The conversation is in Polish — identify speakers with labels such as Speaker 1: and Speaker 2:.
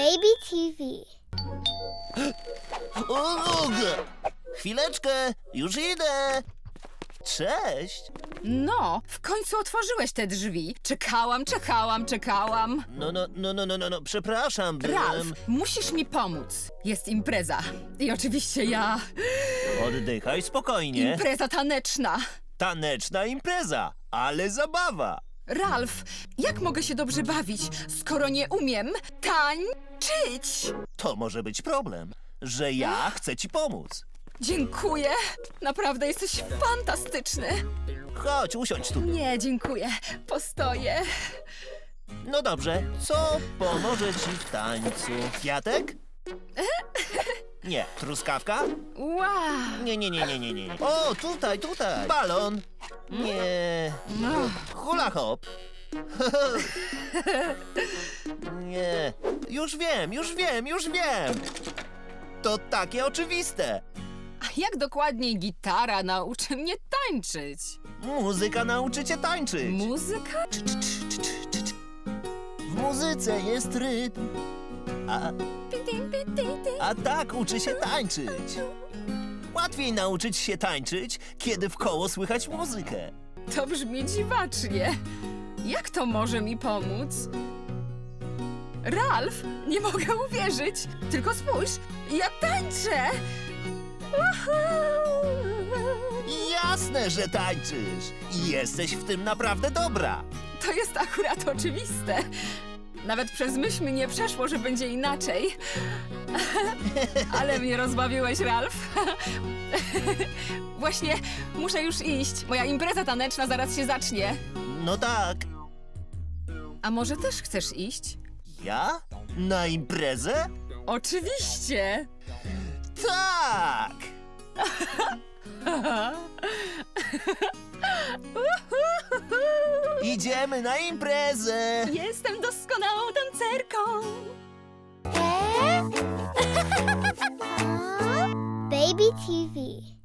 Speaker 1: Baby TV.
Speaker 2: Chwileczkę, już idę. Cześć.
Speaker 3: No, w końcu otworzyłeś te drzwi. Czekałam.
Speaker 2: No, przepraszam,
Speaker 3: Ralf, musisz mi pomóc. Jest impreza. I oczywiście ja...
Speaker 2: Oddychaj spokojnie.
Speaker 3: Impreza taneczna.
Speaker 2: Taneczna impreza, ale zabawa.
Speaker 3: Ralf, jak mogę się dobrze bawić, skoro nie umiem tańczyć?
Speaker 2: To może być problem, że ja chcę ci pomóc.
Speaker 3: Dziękuję. Naprawdę jesteś fantastyczny.
Speaker 2: Chodź, usiądź tu.
Speaker 3: Nie, dziękuję. Postoję.
Speaker 2: No dobrze, co pomoże ci w tańcu? Kwiatek? Nie. Truskawka?
Speaker 3: Wow.
Speaker 2: Nie. O, tutaj. Balon? Nie. Hula hop? Nie. Już wiem. To takie oczywiste.
Speaker 3: A jak dokładniej gitara nauczy mnie tańczyć?
Speaker 2: Muzyka nauczy cię tańczyć.
Speaker 3: Muzyka?
Speaker 2: W muzyce jest rytm. A tak uczy się tańczyć. Łatwiej nauczyć się tańczyć, kiedy w koło słychać muzykę.
Speaker 3: To brzmi dziwacznie. Jak to może mi pomóc? Ralf, nie mogę uwierzyć. Tylko spójrz, ja tańczę.
Speaker 2: Jasne, że tańczysz. I jesteś w tym naprawdę dobra.
Speaker 3: To jest akurat oczywiste. Nawet przez myśl mi nie przeszło, że będzie inaczej. Ale mnie rozbawiłeś, Ralf. Właśnie muszę już iść. Moja impreza taneczna zaraz się zacznie.
Speaker 2: No tak.
Speaker 3: A może też chcesz iść?
Speaker 2: Ja? Na imprezę?
Speaker 3: Oczywiście.
Speaker 2: Tak! Idziemy na imprezę!
Speaker 3: Jestem doskonałą tancerką.
Speaker 1: Baby TV.